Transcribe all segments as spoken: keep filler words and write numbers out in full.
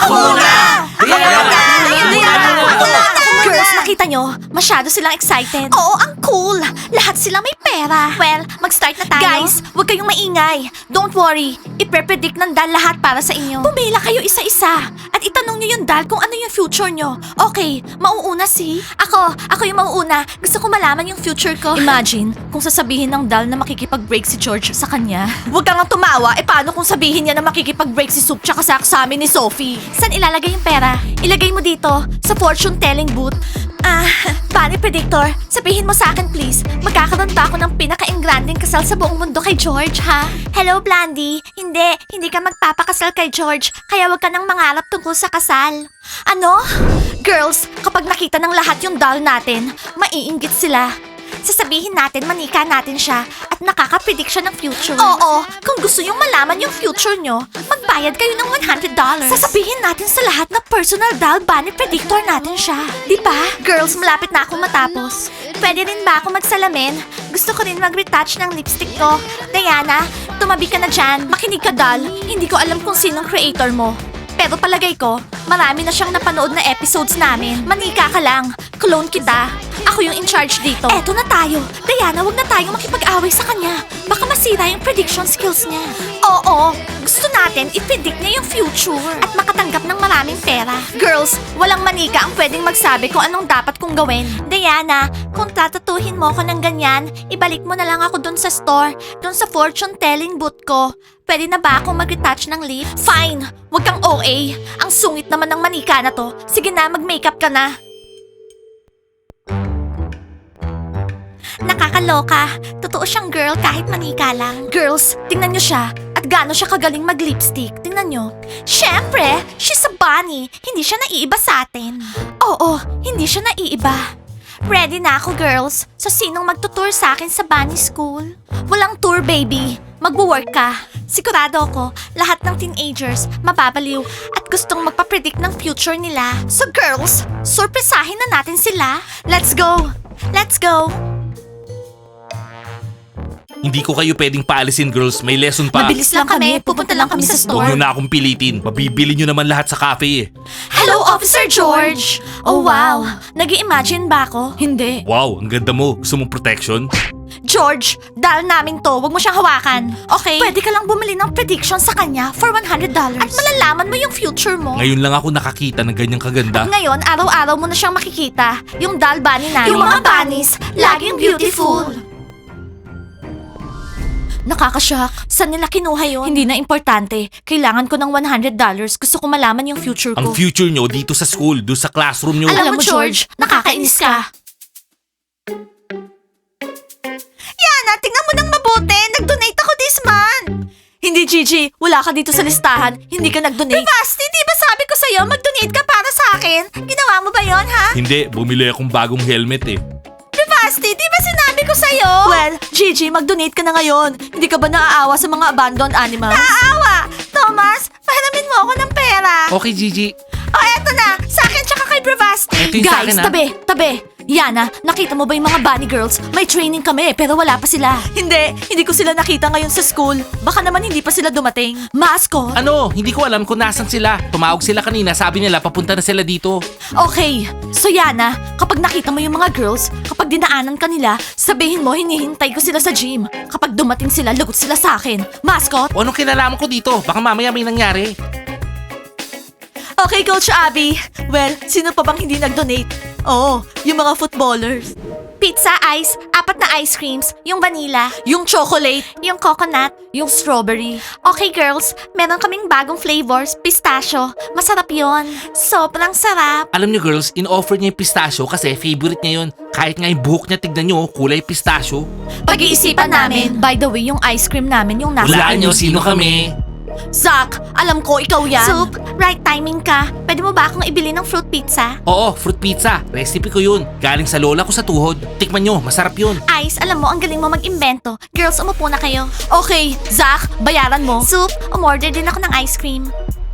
Ako muna! Ako muna! Diana, ako muna! Girls, nakita nyo? Masyado silang excited. Oo, ang cool. Lahat sila may pera. Well, mag-start na tayo. Guys, huwag kayong maingay. Don't worry. Ipe-predict ng Dal lahat para sa inyo. Pumila kayo isa-isa. At itanong nyo yung Dal kung ano yung future nyo. Okay, mauuna si? Ako, ako yung mauuna. Gusto ko malaman yung future ko. Imagine, kung sasabihin ng Dal na makikipag-break si George sa kanya. Huwag kang tumawa. E paano kung sabihin niya na makikipag-break si Soup tsaka sa amin ni Sophie? Saan ilalagay yung pera? Ilagay mo dito, sa fortune telling booth. Ah, Bunny Predictor, sabihin mo sa akin please, magkakaroon ba ako ng pinaka-engranding kasal sa buong mundo kay George, ha? Hello, Blandy. Hindi, hindi ka magpapakasal kay George, kaya wag ka nang mangarap tungkol sa kasal. Ano? Girls, kapag nakita ng lahat yung doll natin, maiinggit sila. Sasabihin natin manika natin siya at nakaka-predict siya ng future. Oo, kung gusto yung malaman yung future nyo, magbayad kayo ng one hundred dollars. Sasabihin natin sa lahat na personal doll bunny predictor natin siya. Di ba? Girls, malapit na akong matapos. Pwede rin ba ako magsalamin? Gusto ko rin mag-retouch ng lipstick ko. Diana, tumabi ka na dyan. Makinig ka, doll. Hindi ko alam kung sinong creator mo. Pero palagay ko, marami na siyang napanood na episodes namin. Manika ka lang. Clone kita. Ako yung in charge dito. Eto na tayo. Diana, wag na tayong makipag-away sa kanya. Baka masira yung prediction skills niya. Oo, gusto natin i-predict niya yung future at makatanggap ng maraming pera. Girls, walang manika ang pwedeng magsabi kung anong dapat kong gawin. Diana, kung tatatuhin mo ako ng ganyan, ibalik mo na lang ako dun sa store, dun sa fortune telling booth ko. Pwede na ba akong mag-retouch ng lips? Fine! Huwag kang O A. Ang sungit naman ng manika na to. Sige na, mag-makeup ka na. Nakakaloka. Totoo siyang girl kahit manika lang. Girls, tingnan niyo siya. At gaano siya kagaling mag-lipstick. Tingnan niyo. Siyempre, she's a bunny. Hindi siya naiiba sa atin. Oo, hindi siya naiiba. Ready na ako, girls. So, sinong magtutour sa akin sa bunny school? Walang tour, baby. Magwo-work ka. Sigurado ako, lahat ng teenagers mababaliw at gustong magpapredict ng future nila. So, girls, surpresahin na natin sila. Let's go! Let's go! Hindi ko kayo pwedeng paalisin, girls. May lesson pa. Mabilis lang kami. Pupunta lang kami sa Huwag nyo store. na akong pilitin. Mabibili nyo naman lahat sa cafe eh. Hello, Officer George! Oh, wow. Nag-i-imagine ba ako? Hindi. Wow, ang ganda mo. Gusto mong protection? George, dahil namin to, wag mo siyang hawakan. Okay? Pwede ka lang bumili ng prediction sa kanya for one hundred dollars. At malalaman mo yung future mo. Ngayon lang ako nakakita ng ganyang kaganda. Ngayon, araw-araw mo na siyang makikita. Yung doll bunny namin. Yung mga bunnies, laging beautiful. Nakakashock. Saan nila kinuha yun? Hindi na importante. Kailangan ko ng one hundred dollars. Gusto ko malaman yung future ko. Ang future nyo dito sa school, doon sa classroom nyo. Alam mo, George, nakakainis ka. Yana, tingnan mo ng mabuti. Nag-donate ako this month. Hindi, Gigi. Wala ka dito sa listahan. Hindi ka nag-donate. Basti, di ba sabi ko sa'yo, mag-donate ka para sa akin? Ginawa mo ba yon, ha? Hindi, bumili akong bagong helmet eh. Basti, di ba sinabi ko sa'yo? Well, Gigi, mag-donate ka na ngayon. Hindi ka ba naaawa sa mga abandoned animals? Naaawa! Thomas, pahalamin mo ako ng pera. Okay, Gigi. O, eto na. Sa akin tsaka kay Bravasti. Eto yung sa Guys, akin, ha? tabi, tabi. Yana, nakita mo ba yung mga bunny girls? May training kami, pero wala pa sila. Hindi, hindi ko sila nakita ngayon sa school. Baka naman hindi pa sila dumating. Mascot? Ano? Hindi ko alam kung nasan sila. Tumawag sila kanina, sabi nila papunta na sila dito. Okay, so Yana, kapag nakita mo yung mga girls, kapag dinaanan ka nila, sabihin mo hinihintay ko sila sa gym. Kapag dumating sila, lagot sila sa akin. Mascot? O anong kinalaman ko dito? Baka mamaya may nangyari. Okay, Coach Abby. Well, sino pa bang hindi nag-donate? Oo, yung mga footballers. Pizza, ice, apat na ice creams, yung vanilla, yung chocolate, yung coconut, yung strawberry. Okay, girls, meron kaming bagong flavors, pistachio. Masarap yon. Sobrang sarap. Alam niyo girls, in-offer niya yung pistachio kasi favorite niya yun. Kahit nga yung buhok niya, tignan niyo, kulay pistachio. Pag-iisipan namin. By the way, yung ice cream namin, yung nasa... Hulaan niyo, sino kami? Zach, alam ko ikaw yan. Soup, right timing ka. Pwede mo ba akong ibili ng fruit pizza? Oo, fruit pizza. Recipe ko yun. Galing sa lola ko sa tuhod. Tikman nyo, masarap yun. Ice, alam mo, ang galing mo mag-imbento. Girls, umupo na kayo. Okay, Zach, bayaran mo. Soup, umorder din ako ng ice cream.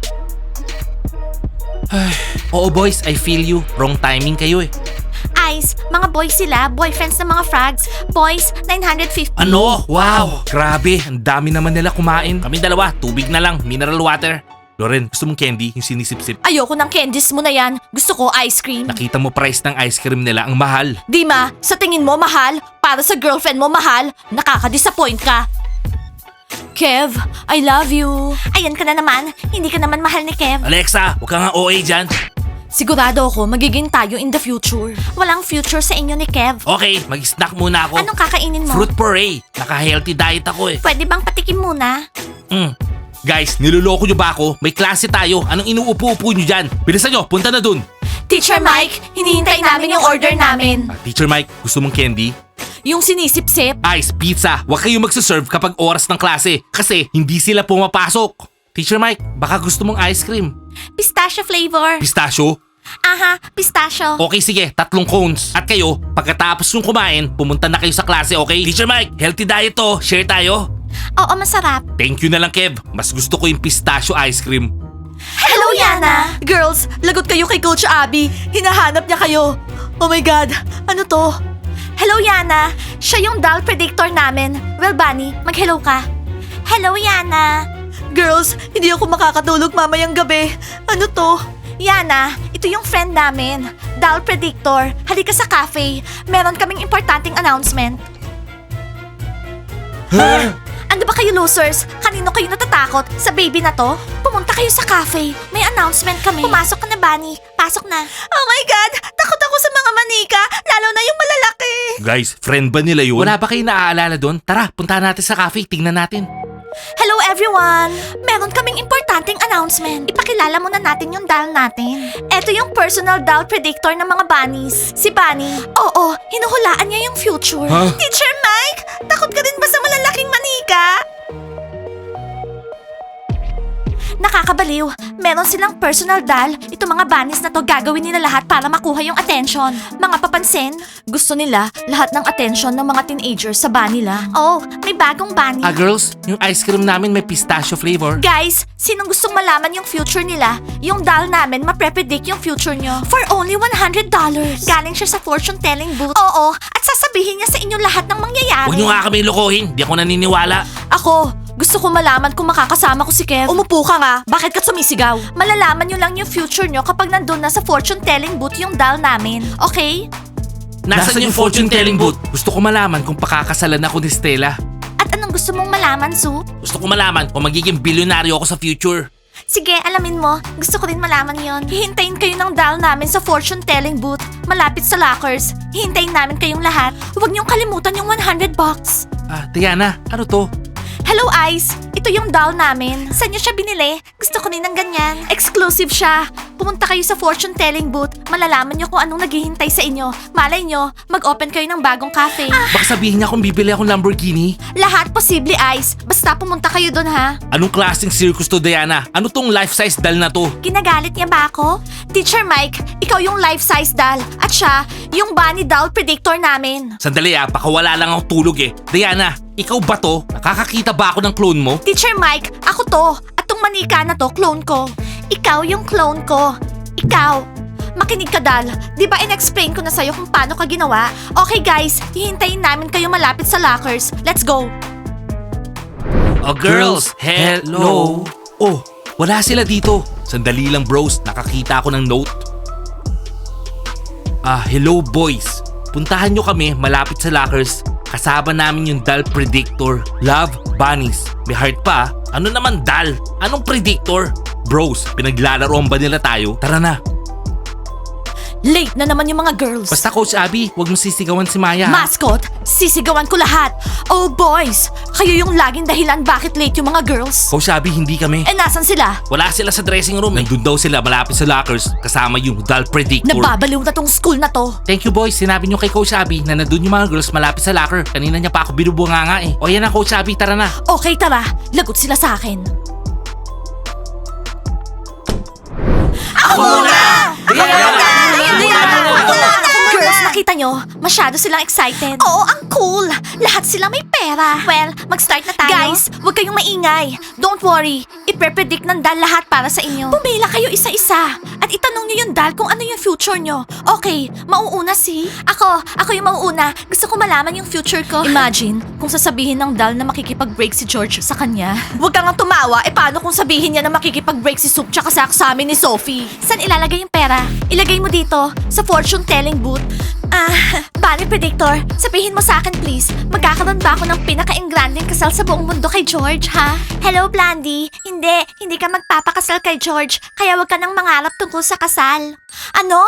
Oo boys, I feel you. Wrong timing kayo eh. Ice, mga boys sila, boyfriends ng mga frogs. Boys, nine hundred fifty. Ano? Wow! Grabe, ang dami naman nila kumain. Kami dalawa, tubig na lang, mineral water. Loren, gusto mong candy? Yung sinisip-sip? Ayoko ng candies mo na yan. Gusto ko ice cream. Nakita mo price ng ice cream nila, ang mahal. Dima, sa tingin mo mahal? Para sa girlfriend mo mahal? Nakaka-disappoint ka. Kev, I love you. Ayan ka na naman. Hindi ka naman mahal ni Kev. Alexa, huwag ka nga O A dyan. Sigurado ako magiging tayo in the future. Walang future sa inyo ni Kev. Okay, mag-snack muna ako. Anong kakainin mo? Fruit puree. Naka-healthy diet ako eh. Pwede bang patikim muna? Mm. Guys, niloloko nyo ba ako? May klase tayo. Anong inuupo-upo nyo dyan? Bilisan nyo, punta na dun. Teacher Mike, hinihintay namin yung order namin. Ah, Teacher Mike, gusto mong candy? Yung sinisip-sip. Ice, pizza. Huwag kayong magsaserve kapag oras ng klase. Kasi hindi sila pumapasok. Teacher Mike, baka gusto mong ice cream. Pistachio flavor. Pistachio? Aha, pistachio. Okay, sige. Tatlong cones. At kayo, pagkatapos yung kumain, pumunta na kayo sa klase, okay? Teacher Mike, healthy diet to. Share tayo. Oo, masarap. Thank you na lang, Kev. Mas gusto ko yung pistachio ice cream. Hello, Yana! Girls, lagot kayo kay Coach Abby. Hinahanap niya kayo. Oh my God, ano to? Hello, Yana. Siya yung doll predictor namin. Well, Bunny, mag-hello ka. Hello, Yana. Girls, hindi ako makakatulog mamayang gabi. Ano to? Yana, ito yung friend namin. Doll predictor. Halika sa cafe. Meron kaming importanteng announcement. Ano ba kayo losers? Kanino kayo natatakot? Sa baby na to? Pumunta kayo sa cafe. May announcement kami. Pumasok ka na, Bunny. Pasok na. Oh my God! Takot ako sa mga manika, lalo na yung malalaki. Guys, friend ba nila yun? Wala ba kayo naaalala doon? Tara, punta natin sa cafe. Tingnan natin. Hello everyone! Meron kaming importanteng announcement. Ipakilala muna natin yung doll natin. Ito yung personal doll predictor ng mga bunnies. Si Bunny. Oo, hinuhulaan niya yung future. Huh? Teacher Mike, takot ka din ba sa malalaking manika? Nakakabaliw. Meron silang personal doll. Ito mga bunnies na to gagawin nila lahat para makuha yung attention. Mga papansin, gusto nila lahat ng attention ng mga teenagers sa bunny lang. Oh, may bagong bunny. Ah, girls, yung ice cream namin may pistachio flavor. Guys, sinong gustong malaman yung future nila? Yung doll namin mapre-predict yung future nyo. For only one hundred dollars. Galing siya sa fortune telling booth. Oo, at sasabihin niya sa inyo lahat ng mangyayari. Huwag nyo nga kami lokohin. Di ako naniniwala. Ako, gusto ko malaman kung makakasama ko si Kev. Umupo ka nga. Bakit ka sumisigaw? Malalaman nyo lang yung future nyo kapag nandun na sa fortune telling booth yung doll namin. Okay? Nasaan yung fortune telling booth? Gusto ko malaman kung pakakasalan ako ni Stella. At anong gusto mong malaman, Sue? Gusto ko malaman kung magiging bilyonaryo ako sa future. Sige, alamin mo. Gusto ko rin malaman yon. Hihintayin kayo ng doll namin sa fortune telling booth. Malapit sa lockers. Hihintayin namin kayong lahat. Huwag niyong kalimutan yung one hundred bucks. Ah, Diana, ano to? Hello, Ice! Ito yung doll namin. Saan niyo siya binili? Gusto ko rin ng ganyan. Exclusive siya. Pumunta kayo sa fortune telling booth. Malalaman niyo kung anong naghihintay sa inyo. Malay niyo, mag-open kayo ng bagong cafe. Baka sabihin niya kung bibili akong Lamborghini. Lahat posible, Ice. Basta pumunta kayo doon, ha? Anong klaseng circus to, Diana? Ano tong life-size doll na to? Ginagalit niya ba ako? Teacher Mike, ikaw yung life-size doll. At siya, yung bunny doll predictor namin. Sandali ah, baka wala lang ako tulog eh. Diana, ikaw ba to? Nakakakita ba ako ng clone mo? Teacher Mike, ako to. At tong manika na to, clone ko. Ikaw yung clone ko. Ikaw. Makinig ka, Dal. Di ba in-explain ko na sa'yo kung paano ka ginawa? Okay guys, hihintayin namin kayo malapit sa lockers. Let's go. Oh, girls, hello. Oh, wala sila dito. Sandali lang bros, nakakita ako ng note. Ah, hello boys. Puntahan nyo kami malapit sa lockers. Kasama namin yung doll predictor. Love, bunnies. May heart pa. Ano naman doll? Anong predictor? Bros, pinaglalaroan ba nila tayo? Tara na. Late na naman yung mga girls. Basta Coach Abby, huwag mo sisigawan si Maya. Mascot, sisigawan ko lahat. Oh boys, kayo yung laging dahilan bakit late yung mga girls. Coach Abby, hindi kami. Eh nasan sila? Wala sila sa dressing room. Nandun daw sila malapit sa lockers kasama yung doll predictor. Nababaliw na tong school na to. Thank you boys, sinabi nyo kay Coach Abby na nandun yung mga girls malapit sa locker. Kanina niya pa ako binubunga nga eh. O yan na Coach Abby, tara na. Okay, tara. Lagot sila sa akin. Ako muna! Ako muna! Girls, nakita nyo? Masyado silang excited. Oo, ang cool. Lahat sila may pera. Well, mag-start na tayo. Guys, huwag kayong maingay. Don't worry. Ipe-predict ng dal lahat para sa inyo. Pumila kayo isa-isa. At at itanong niyo yung dal kung ano yung future nyo. Okay, mauuna si... Ako, ako yung mauuna. Gusto ko malaman yung future ko. Imagine, kung sasabihin ng dal na makikipag-break si George sa kanya. Huwag kang tumawa. E paano kung sabihin niya na makikipag-break si Soup tsaka sa sa amin ni Sophie? Saan ilalagay yung pera? Ilagay mo dito, sa fortune telling booth. Ah, Bunny Predictor, sabihin mo sa akin please, magkakaroon ba ako ng pinaka-engranding kasal sa buong mundo kay George, ha? Hello, Blandy. Hindi, hindi ka magpapakasal kay George, kaya wag ka nang mangarap tungkol sa kasal. Ano?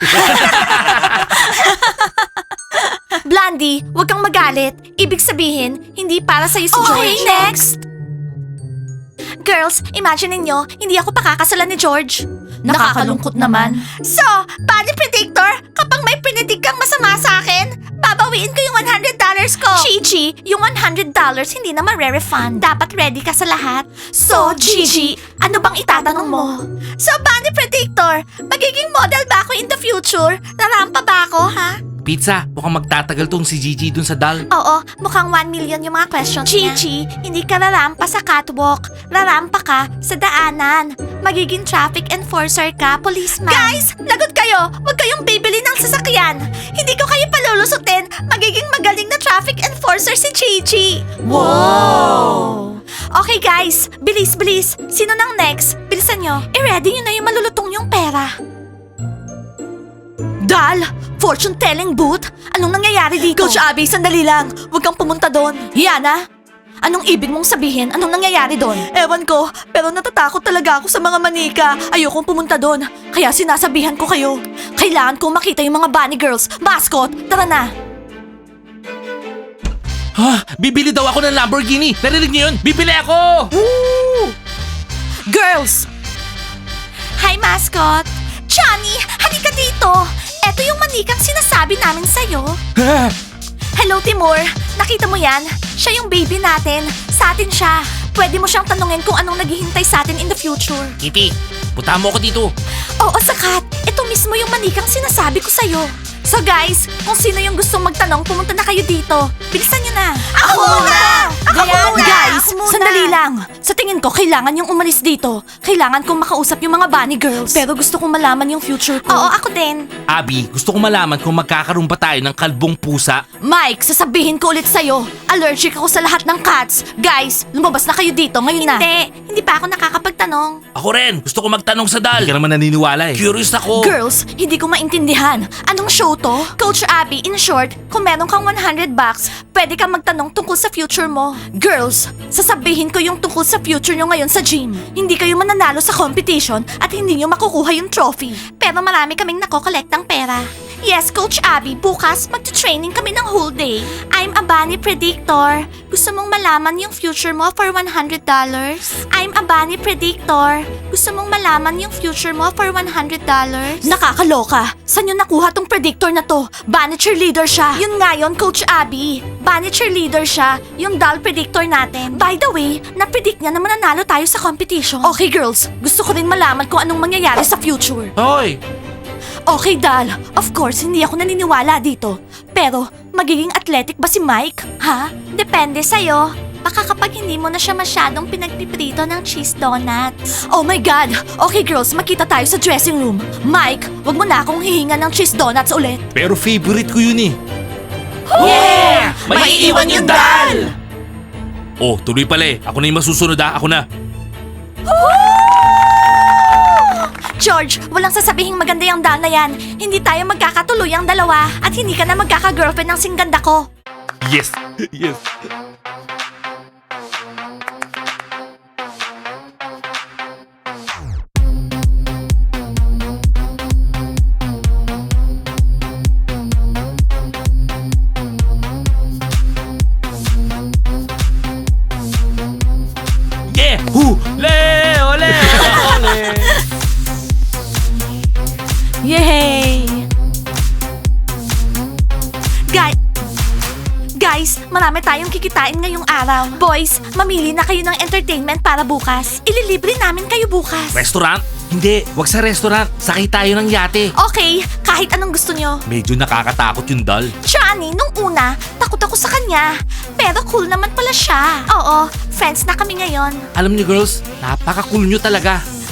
Blandy, wag kang magalit. Ibig sabihin, hindi para sa'yo si George. Okay, next! Girls, imagine ninyo, hindi ako pakakasalan ni George. Nakakalungkot naman. So, Bunny Predictor, kapag may pinidig kang masama sa akin, babawiin ko yung one hundred dollars ko. Gigi, yung one hundred dollars hindi na ma-refund. Dapat ready ka sa lahat. So, Gigi, ano bang itatanong mo? So, Bunny Predictor, magiging model ba ako in the future? Rarampa ba ako, ha? Pizza, mukhang magtatagal tong si Gigi dun sa dal. Oo, mukhang one million yung mga questions niya. Gigi, hindi ka rarampa sa catwalk. Rarampa ka sa daanan. Magiging traffic enforcer ka, policeman. Guys, lagot kayo! Huwag kayong bibili ng sasakyan. Hindi ko kayo palulusutin. Magiging magaling na traffic enforcer si Gigi. Wow! Okay guys, bilis, bilis. Sino nang next? Bilisan nyo. I-ready nyo na yung malulutong yung pera. Dal! Fortune telling booth? Anong nangyayari dito? Coach Abby, sandali lang. Huwag kang pumunta doon. Yana? Anong ibig mong sabihin? Anong nangyayari doon? Ewan ko, pero natatakot talaga ako sa mga manika. Ayokong pumunta doon. Kaya sinasabihan ko kayo. Kailangan kong makita yung mga bunny girls. Mascot, tara na. Ha? Bibili daw ako ng Lamborghini. Narinig niyo yun? Bibili ako! Woo! Girls! Hi, mascot! Johnny, halika dito! Eto yung manikang sinasabi namin sa'yo. Hello, Timur. Nakita mo yan? Siya yung baby natin. Sa atin siya. Pwede mo siyang tanungin kung anong naghihintay sa atin in the future. Kitty, punta mo ako dito. Oo, Sakat. Ito mismo yung manikang sinasabi ko sa'yo. So guys, kung sino yung gustong magtanong, pumunta na kayo dito. Bilisan nyo na. Ako muna! Ako muna! Guys, Ako muna! sandali lang. Sa tingin ko, kailangan yung umalis dito. Kailangan kong makausap yung mga bunny girls. Pero gusto kong malaman yung future ko. Oo, ako din. Abby, gusto ko malaman kung magkakaroon ba tayo ng kalbong pusa. Mike, sasabihin ko ulit sa'yo. Allergic ako sa lahat ng cats. Guys, lumabas na kayo dito ngayon na. Hindi, hindi pa ako nakakapagtanong. Ako rin, gusto ko magtanong sa dal. Hindi ka naman naniniwala eh. Curious ako. Girls, hindi ko maintindihan. Anong show to? Coach Abby, in short, kung meron kang one hundred bucks, pwede kang magtanong tungkol sa future mo. Girls, sasabihin ko yung tungkol sa future nyo ngayon sa gym. Hindi kayo mananalo sa competition at hindi nyo makukuha yung trophy. Pero marami kaming nakokolektang pera. Yes, Coach Abby, bukas magta-training kami ng whole day. I'm a bunny predictor. Gusto mong malaman yung future mo for one hundred dollars? I'm a bunny predictor. Gusto mong malaman yung future mo for one hundred dollars? Nakakaloka. Saan yun nakuha tong predictor na to? Bunny cheerleader siya. Yun nga yun, Coach Abby. Bunny cheerleader siya. Yung doll predictor natin. By the way, na-predict niya na mananalo tayo sa competition. Okay, girls. Gusto ko rin malaman kung anong mangyayari sa future. Hoy! Okay, Dal. Of course, hindi ako naniniwala dito. Pero, magiging athletic ba si Mike? Ha? Depende sa'yo. Baka kapag hindi mo na siya masyadong pinagpiprito ng cheese donuts. Oh my God! Okay, girls, makita tayo sa dressing room. Mike, wag mo na akong hihinga ng cheese donuts ulit. Pero favorite ko yun eh. Yeah! May iiwan yung dal! Oh, tuloy pala eh. Ako na yung masusunod ah. Ako na. George, walang sasabihing maganda yung dal na yan. Hindi tayo magkakatuloy ang dalawa. At hindi ka na magkaka-girlfriend ng singganda ko. Yes! Yes! Yeah! Hu! Le! Ole! Ole! Yay! Guys, guys, marami tayong kikitain ngayong araw. Boys, mamili na kayo ng entertainment para bukas. Ililibre namin kayo bukas. Restaurant? Hindi, wag sa restaurant. Sakay tayo ng yate. Okay, kahit anong gusto nyo. Medyo nakakatakot yung dal. Johnny, nung una, takot ako sa kanya. Pero cool naman pala siya. Oo, friends na kami ngayon. Alam niyo girls, napaka-cool nyo talaga.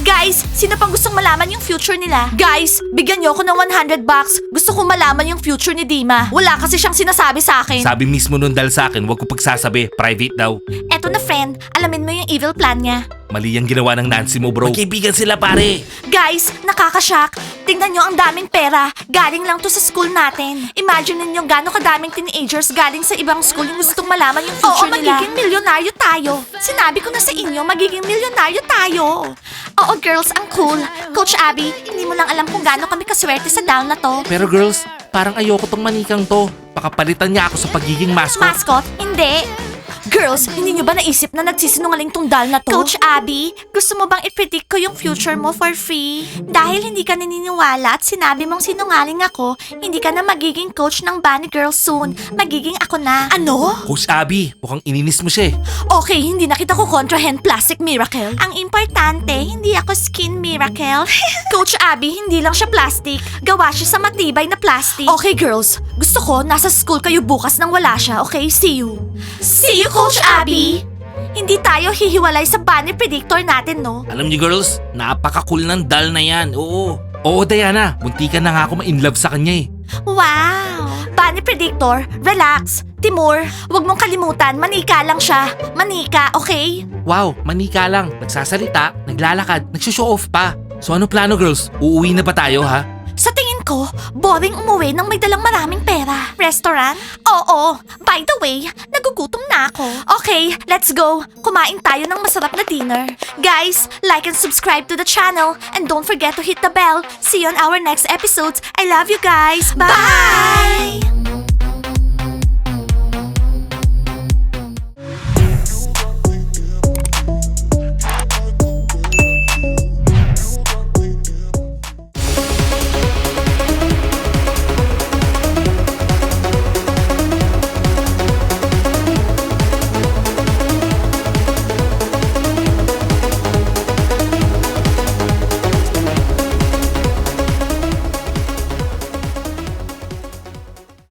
Guys, sino pang gustong malaman yung future nila? Guys, bigyan niyo ako ng one hundred bucks. Gusto kong malaman yung future ni Dima. Wala kasi siyang sinasabi sa akin. Sabi mismo nun dal sa akin, wag ko pagsasabi, private daw. Eto na friend, alamin mo yung evil plan niya. Mali ang ginawa ng Nancy mo, bro. Magkaibigan sila, pare. Guys, nakakashock. Tingnan nyo ang daming pera. Galing lang to sa school natin. Imagine ninyo gano'ng kadaming teenagers galing sa ibang school yung gustong malaman yung future Oo, nila. magiging milyonaryo tayo. Sinabi ko na sa inyo, magiging milyonaryo tayo. Oo, girls, ang cool. Coach Abby, hindi mo lang alam kung gaano kami kaswerte sa down na to. Pero girls, parang ayoko tong manikang to. Pakapalitan niya ako sa pagiging mascot. Mascot? Hindi. Girls, hindi nyo ba naisip na nagsisinungaling tong dal na to? Coach Abby, gusto mo bang i-predict ko yung future mo for free? Dahil hindi ka naniniwala at sinabi mong sinungaling ako, hindi ka na magiging coach ng Bunny Girls soon. Magiging ako na. Ano? Coach Abby, mukhang ininis mo siya eh. Okay, hindi na kita ko kontrahen plastic miracle. Ang importante, hindi ako skin miracle. Coach Abby, hindi lang siya plastic. Gawa siya sa matibay na plastic. Okay, girls. Gusto ko, nasa school kayo bukas nang wala siya, okay? See you. See you, Coach Abby! Hindi tayo hihiwalay sa bunny predictor natin, no? Alam niyo girls, napaka-cool ng dal na yan. Oo. Oo, Diana. Muntikan na nga ako ma-inlove sa kanya eh. Wow! Bunny predictor, relax. Timur, wag mong kalimutan, manika lang siya. Manika, okay? Wow, manika lang. Nagsasalita, naglalakad, nagsushow off pa. So ano plano girls? Uuwi na ba tayo ha? Sa tingin ko, boring umuwi nang may dalang maraming pera. Restaurant? Oo. By the way, nagugutom na ako. Okay, let's go. Kumain tayo ng masarap na dinner. Guys, like and subscribe to the channel. And don't forget to hit the bell. See you on our next episodes. I love you guys. Bye!